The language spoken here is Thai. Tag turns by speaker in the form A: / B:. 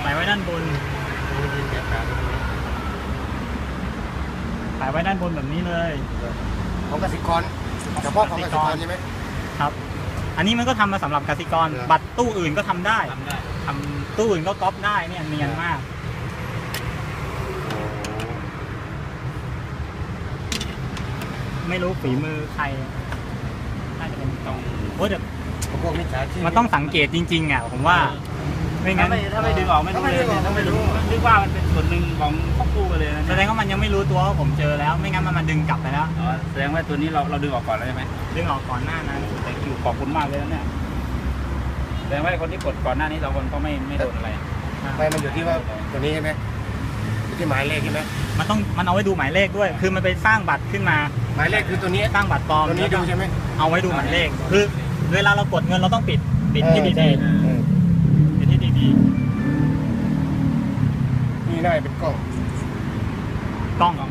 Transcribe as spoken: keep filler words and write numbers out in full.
A: ส่ไว้ด้านบนใส่ไว้ด้านบนแบบนี้เลย
B: ของกสิกรเฉพาะของกสิกรใช่ไหม
A: ครับ อันนี้มันก็ทำมาสำหรับกสิกร บัตรตู้อื่นก็ทำได้ทำตู้อื่นก็ก๊อปได้เนี่ยเนียนมาก ไม่รู้ฝีมือใครน่าจะเป็นต้องโอ้เดี๋ยว
B: พวกมิจฉาชีพ
A: มันต้องสังเกตจริงๆอ่ะผมว่าไม่งั้
C: ถ้าน ไม่ถ้าไม่ดึงออกไม่รู้เลยถ้าไม่รู้นึกว่ามันเป็นส่วนหนึ่งของครอบครัวไปเลยนะ
A: แสดงว่ามันยังไม่รู้ตัวว่าผมเจอแล้ว ไม่งั้นมันมาดึงกลับไปแล้ว
C: อ๋อแสดงว่าตัวนี้เราเราดึงออกก่อนแล้วใช่ไหม
A: ดึงออกก่อนหน้านั้น
C: แต่คิวขอบคุณมากเลยนะเนี่ยแสดงว่าคนที่กดก่อนหน้านี้เราคนก็ไม่ไม่โดนอะไร
B: ไม่มันอยู่ที่ว่าตัวนี้ใช่ไหมอยู่ที่หมายเลขใช่ไหม
A: มันต้องมันเอาไว้ดูหมายเลขด้วย คือมันไปสร้างบัตรขึ้นมา
B: หมายเลขคือตัวนี้
A: สร้างบัตรปลอม
B: ตัวนี้ดูใช่ไหม
A: เอาไว้ดูหมายเลข คือเวลาเรากดเงินเราต้องปิดปิดที่ดี
B: เออ
A: ๆปิดที่ดี
B: นี่น่าจะเป็นกล้อง
A: ๆกล้อง